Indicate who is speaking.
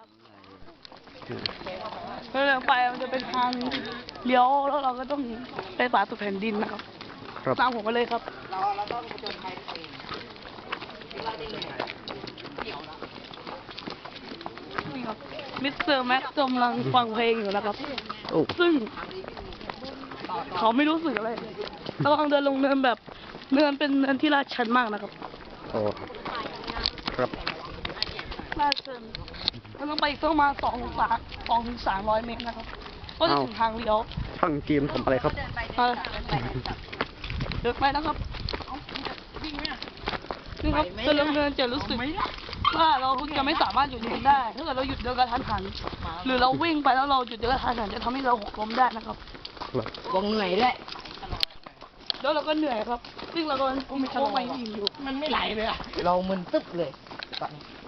Speaker 1: ครับเดินไปมันจะเป็นทางเลี้ยวแล้วเราก็ต้องไปป่าสุดแผ่นดินนะครับตามผมมาเลยครับเราต้องผจญภัยตัวเองนี่ครับมิสเตอร์แม็กกำลังฟังเพลงอยู่นะครับซึ่งเขาไม่รู้สึกอะไรเรากำลังเดินลงเนินแบบเนินเป็นเนินที่ลาดชันมากนะครับ
Speaker 2: โอ้ครับ
Speaker 1: ลาดชันเราต้องไปอีกประมาณ200-300 เมตรนะครับก็จะถึงทางเลี้ยว
Speaker 2: ช่างจีมทำอะไรครับ
Speaker 1: เดินไปนะครับนี่ครับจะลงเนินจะรู้สึกว่าเราจะไม่สามารถหยุดเดินได้ถ้าเกิดเราหยุดเดินกระทันหันหรือเราวิ่งไปแล้วเราหยุดเดินกระทันหันจะทำให้เราหกล้มได้นะครับ
Speaker 3: วงเหนื่อยด้วย
Speaker 1: แล้วเราก็เหนื่อยครับซึ่งเราก็มีโค้งไปอยู่
Speaker 3: มันไม่ไหลเลยอ่ะเรามึนตึ๊บเลยตอนนี้